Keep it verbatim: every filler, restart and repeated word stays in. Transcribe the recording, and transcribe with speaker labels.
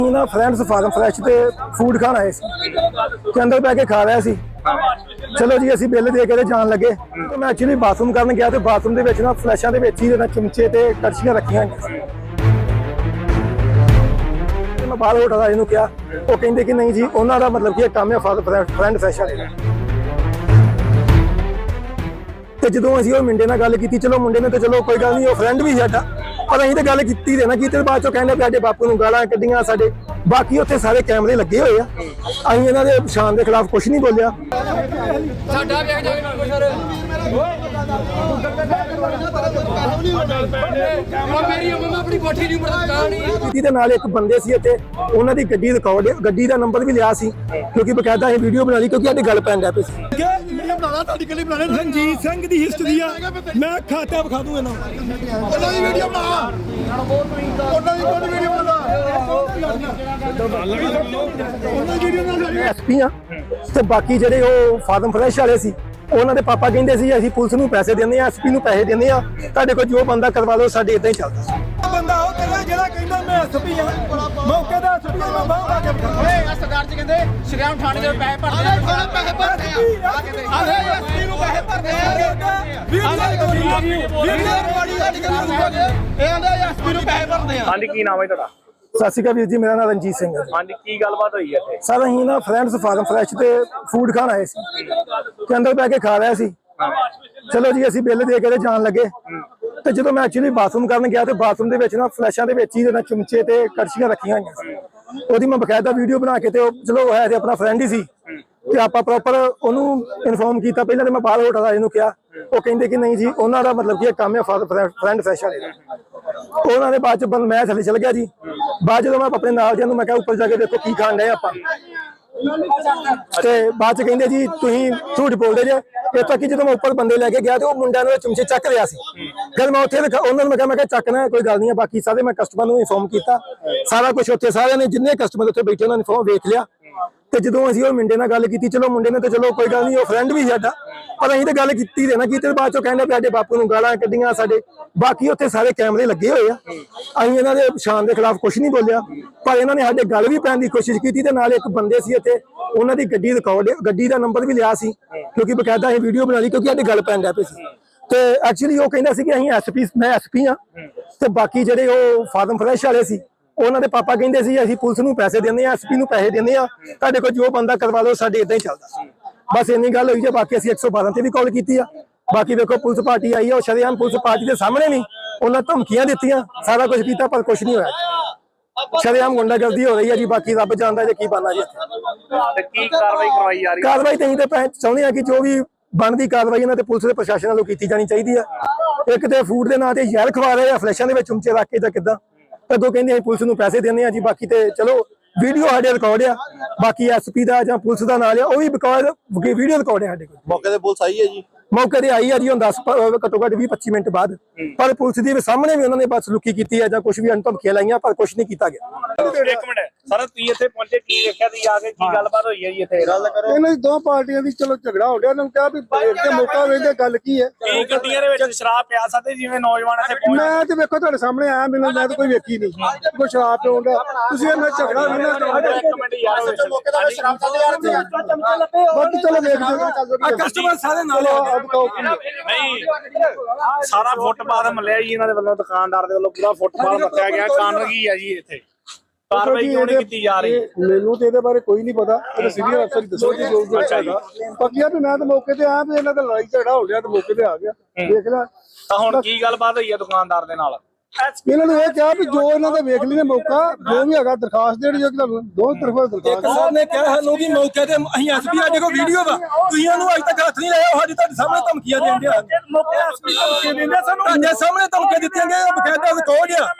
Speaker 1: ਨਾ friends farm fresh ਤੇ food ਖਾਣ ਆਏ ਸੀ ਤੇ ਅੰਦਰ ਬੈ ਕੇ ਖਾ ਰਿਹਾ ਸੀ। ਚਲੋ ਜੀ ਅਸੀਂ ਬਿੱਲ ਦੇ ਕੇ ਤੇ ਜਾਣ ਲੱਗੇ ਤੇ ਮੈਂ ਐਕਚੁਅਲੀ ਬਾਥਰੂਮ ਕਰਨ ਗਿਆ ਤੇ ਬਾਥਰੂਮ ਦੇ ਵਿੱਚ ਨਾ ਫਲੈਸ਼ਾਂ ਦੇ ਵਿੱਚ ਹੀ ਨਾ ਚਮਚੇ ਤੇ ਕੜਛੀਆਂ ਰੱਖੀਆਂ ਹੋਈਆਂ ਸੀ। ਮੈਂ ਬਾਹਰ ਹੋਟਲ ਵਾਲੇ ਨੂੰ ਕਿਹਾ, ਉਹ ਕਹਿੰਦੇ ਕਿ ਨਹੀਂ ਜੀ ਉਹਨਾਂ ਦਾ ਮਤਲਬ ਕੀ ਕੰਮ ਹੈ ਫਰੈਂਡ ਫਰੈਸ਼ ਵਾਲੇ ਦਾ। ਤੇ ਜਦੋਂ ਅਸੀਂ ਉਹ ਮੁੰਡੇ ਨਾਲ ਗੱਲ ਕੀਤੀ, ਚਲੋ ਮੁੰਡੇ ਨੇ ਤੇ ਚਲੋ ਕੋਈ ਗੱਲ ਨਹੀਂ, ਉਹ ਫਰੈਂਡ ਵੀ ਸਾਡਾ, ਪਰ ਅਸੀਂ ਤਾਂ ਗੱਲ ਕੀਤੀ ਦੇ ਨਾ ਕੀਤੇ ਬਾਅਦ ਚੋਂ ਕਹਿੰਦੇ ਸਾਡੇ ਬਾਪੂ ਨੂੰ ਗਾਲਾਂ ਕੱਢੀਆਂ ਸਾਡੇ। ਬਾਕੀ ਉੱਥੇ ਸਾਰੇ ਕੈਮਰੇ ਲੱਗੇ ਹੋਏ ਆ, ਅਸੀਂ ਇਹਨਾਂ ਦੇ ਸ਼ਾਨ ਦੇ ਖਿਲਾਫ ਕੁਝ ਨਹੀਂ ਬੋਲਿਆ।
Speaker 2: ਸਾਡਾ ਵੇਖ ਜਾ ਕੇ ਸਰ ਮੇਰੀ ਮੰਮਾ ਆਪਣੀ ਕੋਠੀ ਨਹੀਂ ਬਣਾ ਨਹੀਂ।
Speaker 1: ਦੇ ਨਾਲ ਇੱਕ ਬੰਦੇ ਸੀ ਇੱਥੇ, ਉਹਨਾਂ ਦੀ ਗੱਡੀ ਰਿਕਾਰਡ, ਗੱਡੀ ਦਾ ਨੰਬਰ ਵੀ ਲਿਆ ਸੀ ਕਿਉਂਕਿ ਬਕਾਇਦਾ ਅਸੀਂ ਵੀਡੀਓ ਬਣਾ ਲਈ ਕਿਉਂਕਿ ਸਾਡੀ ਗੱਲ ਪੈਣ ਲੱਗ ਪਈ ਸੀ। ਰਣਜੀਤ ਸਿੰਘ ਦੀ ਹਿਸਟਰੀ ਆ, ਮੈਂ ਖਾਤਾ ਵਿਖਾ ਦੂੰ ਇਹਨਾਂ ਉਹਨਾਂ ਦੀ ਵੀਡੀਓ ਬਣਾ, ਉਹਨਾਂ ਦੀ ਕੋਈ ਵੀਡੀਓ ਬਣਾ, ਉਹਨਾਂ ਦੀ ਵੀਡੀਓ ਬਣਾ। ਐਸਪੀ ਆ ਤੇ ਬਾਕੀ ਜਿਹੜੇ ਉਹ ਫਾਰਮ ਫਰੈਸ਼ ਵਾਲੇ ਸੀ, ਉਹਨਾਂ ਦੇ ਪਾਪਾ ਕਹਿੰਦੇ ਸੀ ਅਸੀਂ ਪੁਲਿਸ ਨੂੰ ਪੈਸੇ ਦਿੰਦੇ ਆ, ਐਸਪੀ ਨੂੰ ਪੈਸੇ ਦਿੰਦੇ ਆ, ਤੁਹਾਡੇ ਕੋਲ ਜੋ ਬੰਦਾ ਕਰਵਾ ਲਓ, ਸਾਡੇ ਇਦਾਂ ਹੀ ਚੱਲਦਾ। ਬੰਦਾ ਉਹ ਕਹਿੰਦਾ ਜਿਹੜਾ ਕਹਿੰਦਾ ਮੈਂ ਐਸਪੀ ਆ, ਮੌਕੇ ਦਾ ਐਸਪੀ ਮੈਂ ਬਾਹਰ ਆ ਕੇ
Speaker 2: ਓਏ ਸਰਦਾਰ ਜੀ ਕਹਿੰਦੇ ਸ਼੍ਰੀਰਾਮ ਥਾਣੇ ਦੇ ਪੈਸੇ ਭਰਦੇ ਆ, ਥਾਣੇ ਪੈਸੇ ਭਰਦੇ ਆ, ਆਲੇ ਐਸਪੀ ਨੂੰ ਪੈਸੇ ਭਰਦੇ ਆ, ਵੀਡੀਓ ਬੜੀ ਸਾਡੀ ਗੱਲ ਇਹ ਆਂਦੇ ਐਸਪੀ ਨੂੰ ਪੈਸੇ ਭਰਦੇ ਆ।
Speaker 3: ਹਾਂਜੀ, ਕੀ ਨਾਮ ਹੈ ਤੁਹਾਡਾ?
Speaker 1: ਸਤਿ ਸ਼੍ਰੀ ਅਕਾਲ ਵੀਰ ਜੀ, ਮੇਰਾ ਨਾਮ ਰਣਜੀਤ ਸਿੰਘ ਹੈ।
Speaker 3: ਹਾਂਜੀ, ਕੀ ਗੱਲਬਾਤ ਹੋਈ ਹੈ ਇੱਥੇ?
Speaker 1: ਸਰ ਅਸੀਂ ਨਾ ਫਰੈਂਡਸ ਫਾਰਮ ਫਰੈਸ਼ ਤੇ ਫੂਡ ਖਾਣ ਆਏ ਸੀ ਤੇ ਅੰਦਰ ਬੈ ਕੇ ਖਾ ਰਿਹਾ ਸੀ। ਚਲੋ ਜੀ ਅਸੀਂ ਬਿੱਲ ਦੇ ਕੇ ਤੇ ਜਾਣ ਲੱਗੇ ਤੇ ਜਦੋਂ ਮੈਂ ਐਕਚੁਅਲੀ ਬਾਥਰੂਮ ਕਰਨ ਗਿਆ ਤੇ ਬਾਥਰੂਮ ਦੇ ਵਿੱਚ ਨਾ ਫਲੈਸ਼ਾਂ ਦੇ ਵਿੱਚ ਹੀ ਨਾ ਚਮਚੇ ਤੇ ਕੜਛੀਆਂ ਰੱਖੀਆਂ ਹੋਈਆਂ ਸੀ। ਉਹਦੀ ਮੈਂ ਬਕਾਇਦਾ ਵੀਡੀਓ ਬਣਾ ਕੇ ਤੇ ਉਹ ਚਲੋ ਹੈ ਤੇ ਆਪਣਾ ਫਰੈਂਡ ਹੀ ਸੀ ਤੇ ਆਪਾਂ ਪ੍ਰੋਪਰ ਉਹਨੂੰ ਇਨਫੋਰਮ ਕੀਤਾ। ਪਹਿਲਾਂ ਤੇ ਮੈਂ ਬਾਹਰ ਹੋਟਲ ਵਾਲੇ ਨੂੰ ਕਿਹਾ, ਉਹ ਕਹਿੰਦੇ ਕਿ ਨਹੀਂ ਜੀ ਉਹਨਾਂ ਦਾ ਮਤਲਬ ਕੀ ਕੰਮ ਹੈ ਫਰੈਂਡ ਫਰੈਸ਼ ਵਾਲੇ ਦਾ। ਉਹਨਾਂ ਦੇ ਬਾਅਦ ਚ ਮੈਂ ਥੱਲੇ ਚਲ ਗਿਆ ਜੀ। ਬਾਅਦ ਜਦੋਂ ਮੈਂ ਆਪਣੇ ਨਾਲ ਦਿਆਂ ਨੂੰ ਮੈਂ ਕਿਹਾ ਉੱਪਰ ਜਾ ਕੇ ਦੇਖੋ ਕੀ ਖਾਣ ਡਏ ਆਪਾਂ, ਤੇ ਬਾਅਦ ਚ ਕਹਿੰਦੇ ਜੀ ਤੁਸੀਂ ਝੂਠ ਬੋਲਦੇ ਜੇ। ਇਹ ਤੱਕ ਕਿ ਜਦੋਂ ਮੈਂ ਉੱਪਰ ਬੰਦੇ ਲੈ ਕੇ ਗਿਆ ਤੇ ਉਹ ਮੁੰਡਿਆਂ ਨੂੰ ਚਮਚੇ ਚੱਕ ਰਿਹਾ ਸੀ। ਫਿਰ ਮੈਂ ਉੱਥੇ ਉਹਨਾਂ ਨੂੰ ਮੈਂ ਕਿਹਾ ਮੈਂ ਕਿਹਾ ਚੱਕਣਾ ਕੋਈ ਗੱਲ ਨਹੀਂ। ਬਾਕੀ ਸਾਰੇ ਮੈਂ ਕਸਟਮਰ ਨੂੰ ਇਨਫੋਰਮ ਕੀਤਾ, ਸਾਰਾ ਕੁਝ ਉੱਥੇ ਸਾਰਿਆਂ ਨੇ ਜਿੰਨੇ ਕਸਟਮਰ ਉੱਥੇ ਬੈਠੇ ਉਹਨਾਂ ਨੇ ਇਨਫੋਰਮ ਵੇਖ ਲਿਆ। ਤੇ ਜਦੋਂ ਅਸੀਂ ਉਹ ਮੁੰਡੇ ਨਾਲ ਗੱਲ ਕੀਤੀ, ਚਲੋ ਮੁੰਡੇ ਨੇ ਤੇ ਚਲੋ ਕੋਈ ਗੱਲ ਨਹੀਂ, ਉਹ ਫਰੈਂਡ ਵੀ ਸਾਡਾ, ਪਰ ਅਸੀਂ ਤਾਂ ਗੱਲ ਕੀਤੀ ਦੇ ਨਾ ਕੀਤੇ ਬਾਅਦ ਚੋਂ ਕਹਿੰਦੇ ਸਾਡੇ ਬਾਪੂ ਨੂੰ ਗਾਲਾਂ ਕੱਢੀਆਂ ਸਾਡੇ। ਬਾਕੀ ਉੱਥੇ ਸਾਰੇ ਕੈਮਰੇ ਲੱਗੇ ਹੋਏ ਆ, ਅਸੀਂ ਇਹਨਾਂ ਦੇ ਸ਼ਾਨ ਦੇ ਖਿਲਾਫ ਕੁਝ ਨਹੀਂ ਬੋਲਿਆ, ਪਰ ਇਹਨਾਂ ਨੇ ਸਾਡੇ ਗੱਲ ਵੀ ਪੈਣ ਦੀ ਕੋਸ਼ਿਸ਼ ਕੀਤੀ। ਤੇ ਨਾਲ ਇੱਕ ਬੰਦੇ ਸੀ ਇੱਥੇ, ਉਹਨਾਂ ਦੀ ਗੱਡੀ ਰਿਕਾਰਡ, ਗੱਡੀ ਦਾ ਨੰਬਰ ਵੀ ਲਿਆ ਸੀ ਕਿਉਂਕਿ ਬਕਾਇਦਾ ਅਸੀਂ ਵੀਡੀਓ ਬਣਾ ਲਈ ਕਿਉਂਕਿ ਸਾਡੀ ਗੱਲ ਪੈਣ ਲੱਗ ਪਈ ਸੀ। ਤੇ ਐਕਚੁਅਲੀ ਉਹ ਕਹਿੰਦਾ ਸੀ ਕਿ ਅਸੀਂ ਐਸਪੀ, ਮੈਂ ਐਸਪੀ ਆ ਤੇ ਬਾਕੀ ਜਿਹੜੇ ਉਹ ਫਾਰਮ ਫਰੈਸ਼ ਵਾਲੇ ਸੀ, ਉਹਨਾਂ ਦੇ ਪਾਪਾ ਕਹਿੰਦੇ ਸੀ ਅਸੀਂ ਪੁਲਿਸ ਨੂੰ ਪੈਸੇ ਦਿੰਦੇ ਆ, ਐਸਪੀ ਨੂੰ ਪੈਸੇ ਦਿੰਦੇ ਆ, ਤੁਹਾਡੇ ਕੋਲ ਜੋ ਬੰਦਾ ਕਰਵਾ ਲਓ, ਸਾਡੇ ਇਦਾਂ ਹੀ ਚੱਲਦਾ। ਬਸ ਇੰਨੀ ਗੱਲ ਹੋਈ ਜੇ। ਬਾਕੀ ਅਸੀਂ ਇੱਕ ਸੌ ਬਾਰਾਂ ਤੇ ਵੀ ਕਾਲ ਕੀਤੀ ਆ। ਬਾਕੀ ਵੇਖੋ ਪੁਲਿਸ ਪਾਰਟੀ ਆਈ ਆ, ਉਹ ਸ਼ਰੇਆਮ ਪੁਲਿਸ ਪਾਰਟੀ ਦੇ ਸਾਹਮਣੇ ਵੀ ਉਹਨਾਂ ਧਮਕੀਆਂ ਦਿੱਤੀਆਂ, ਸਾਰਾ ਕੁਝ ਕੀਤਾ, ਪਰ ਕੁਝ ਨਹੀਂ ਹੋਇਆ। ਸ਼ਰੇਆਮ ਗੁੰਡਾਗਰਦੀ ਹੋ ਰਹੀ ਹੈ ਜੀ। ਬਾਕੀ ਰੱਬ ਜਾਣਦਾ ਜੇ ਕੀ ਬਣਨਾ ਜੀ।
Speaker 3: ਤੇ ਕੀ ਕਾਰਵਾਈ ਕਰਵਾਈ ਜਾ ਰਹੀ ਹੈ?
Speaker 1: ਕਾਰਵਾਈ ਤਾਂ ਅਸੀਂ ਤਾਂ ਚਾਹੁੰਦੇ ਆ ਕਿ ਜੋ ਵੀ ਬਣਦੀ ਕਾਰਵਾਈ ਇਹਨਾਂ ਤੇ ਪੁਲਿਸ ਦੇ ਪ੍ਰਸ਼ਾਸਨ ਵੱਲੋਂ ਕੀਤੀ ਜਾਣੀ ਚਾਹੀਦੀ ਆ। ਇੱਕ ਤੇ ਫੂਡ ਦੇ ਨਾਂ ਤੇ ਜ਼ਹਿਰ ਖਵਾ ਰਹੇ ਆ, ਫਲੈਸ਼ਾਂ ਦੇ ਵਿੱਚ ਚਮਚੇ ਰੱਖ ਕੇ ਜਾਂ ਕਿੱਦਾਂ। ਅੱਗੋਂ ਕਹਿੰਦੇ ਅਸੀਂ ਪੁਲਿਸ ਨੂੰ ਪੈਸੇ ਦਿੰਦੇ ਆ ਜੀ। ਬਾਕੀ ਤੇ ਚਲੋ ਵੀਡੀਓ ਸਾਡੇ ਰਿਕਾਰਡ ਆ, ਬਾਕੀ ਐਸਪੀ ਦਾ ਜਾਂ ਪੁਲਿਸ ਦਾ ਨਾਲ ਆ, ਉਹ ਵੀ ਬਿਕਾਜ਼ ਵੀਡੀਓ ਰਿਕਾਰਡ ਆ ਸਾਡੇ ਕੋਲ।
Speaker 4: ਮੌਕੇ ਤੇ ਪੁਲਿਸ ਆਈ ਹੈ ਜੀ?
Speaker 1: ਮੌਕੇ ਤੇ ਆਈ ਆ ਜੀ, ਹੁਣ ਦਸ ਘੱਟੋ ਘੱਟ ਵੀਹ ਪੱਚੀ ਮਿੰਟ ਬਾਅਦ, ਪਰ ਪੁਲਿਸ ਦੇ ਸਾਹਮਣੇ ਵੀ ਉਹਨਾਂ ਨੇ ਬਸ ਲੁਕੀ ਕੀਤੀ ਹੈ ਜਾਂ ਕੁਝ ਵੀ ਧਮਕੀਆਂ ਲਾਈਆਂ, ਪਰ ਕੁਝ ਨਹੀਂ ਕੀਤਾ ਗਿਆ।
Speaker 3: ਇੱਕ ਮਿੰਟ ਸਰ, ਤੁਸੀਂ ਇੱਥੇ ਪਹੁੰਚੇ, ਕੀ ਵੇਖਿਆ ਤੁਸੀਂ ਆ ਕੇ? ਕੀ ਗੱਲਬਾਤ ਹੋਈ ਹੈ ਜੀ ਇੱਥੇ? ਗੱਲ ਕਰੋ।
Speaker 1: ਇਹਨਾਂ ਦੀ ਦੋ ਪਾਰਟੀਆਂ ਦੀ ਚਲੋ ਝਗੜਾ ਹੋ ਗਿਆ, ਉਹਨਾਂ ਨੂੰ ਕਿਹਾ ਵੀ ਬ੍ਰੇਕ ਤੇ ਮੌਕਾ ਵੇਖਦੇ ਗੱਲ ਕੀ ਹੈ।
Speaker 3: ਕੀ ਗੱਡੀਆਂ ਦੇ ਵਿੱਚ ਸ਼ਰਾਬ ਪਿਆ ਸਕਦੇ ਜਿਵੇਂ ਨੌਜਵਾਨ ਇੱਥੇ ਪਹੁੰਚ?
Speaker 1: ਮੈਂ ਤੇ ਵੇਖੋ ਤੁਹਾਡੇ ਸਾਹਮਣੇ ਆਇਆ, ਮੈਨੂੰ ਮੈਂ ਤਾਂ ਕੋਈ ਵੇਖੀ ਨਹੀਂ ਕੋਈ ਸ਼ਰਾਬ ਪੀਉਣ ਦਾ। ਤੁਸੀਂ ਇਹਨਾਂ ਝਗੜਾ
Speaker 3: ਇੱਕ ਮਿੰਟ ਯਾਰ,
Speaker 4: ਮੌਕੇ ਦਾ ਸ਼ਰਾਬ ਚੱਲਦੇ ਆ ਰਹੇ
Speaker 1: ਬਾਕੀ ਚਲੋ ਵੇਖਦੇ ਕਸਟਮਰ ਸਾਰੇ ਨਾਲ
Speaker 3: ਨਹੀਂ, ਸਾਰਾ ਫੁੱਟਪਾਥ ਮੱਲਿਆ ਜੀ ਇਹਨਾਂ ਦੇ ਵੱਲੋਂ, ਦੁਕਾਨਦਾਰ ਦੇ ਵੱਲੋਂ ਪੂਰਾ ਫੁੱਟਪਾਥ ਮੱਥਿਆ ਗਿਆ। ਕਾਰਨ ਕੀ ਹੈ ਜੀ ਇੱਥੇ? ਕਾਰਵਾਈ ਕਿਉਂ ਨਹੀਂ ਕੀਤੀ ਜਾ ਰਹੀ?
Speaker 1: ਮੈਨੂੰ ਤੇ ਇਹਦੇ ਬਾਰੇ ਕੋਈ ਨਹੀਂ ਪਤਾ, ਇਹ ਸੀਨੀਅਰ ਅਫਸਰ ਦੱਸੋ ਜੀ ਜੋ ਵੀ ਹੈਗਾ। ਬਾਕੀ ਆ ਵੀ ਮੈਂ ਤਾਂ ਮੌਕੇ ਤੇ ਆਇਆ ਵੀ ਇਹਨਾਂ ਦਾ ਲੜਾਈ ਝਗੜਾ ਹੋ ਗਿਆ ਤੇ ਮੌਕੇ ਤੇ ਆ ਗਿਆ, ਦੇਖ ਲੈ।
Speaker 3: ਤਾਂ ਹੁਣ ਕੀ ਗੱਲਬਾਤ ਹੋਈ ਹੈ ਦੁਕਾਨਦਾਰ ਦੇ ਨਾਲ?
Speaker 1: ਇਹਨਾਂ ਨੂੰ ਇਹ ਕਿਹਾ ਵੀ ਜੋ ਇਹਨਾਂ ਦੇ ਵੇਖ ਲਈ ਨੇ ਮੌਕਾ, ਜੋ ਵੀ ਹੈਗਾ ਦਰਖਾਸਤ ਦੇਣੀ ਜੋ ਤੁਹਾਨੂੰ ਦੋ ਤਰਫਾ ਦਰਖਾਸਤ। ਸਰ ਨੇ ਕਿਹਾ ਸਾਨੂੰ ਵੀ ਮੌਕੇ ਤੇ ਅਸੀਂ ਐਸਪੀ ਸਾਡੇ ਕੋਲ ਵੀਡੀਓ ਵਾ, ਤੁਸੀਂ ਇਹਨੂੰ ਅੱਜ ਤੱਕ ਹੱਥ ਨਹੀਂ ਲਾਇਆ। ਸਾਡੀ ਤੁਹਾਡੇ ਸਾਹਮਣੇ ਧਮਕੀਆਂ ਦਿੰਦੇ ਆ, ਮੌਕੇ ਐਸਪੀ ਧਮਕੀਆਂ ਦਿੰਦੇ ਸਾਨੂੰ, ਤੁਹਾਡੇ ਸਾਹਮਣੇ ਧਮਕੀਆਂ ਦਿੱਤੀਆਂ ਗਈਆਂ, ਬਕਾਇਦਾ ਰਿਕਾਰਡ ਆ।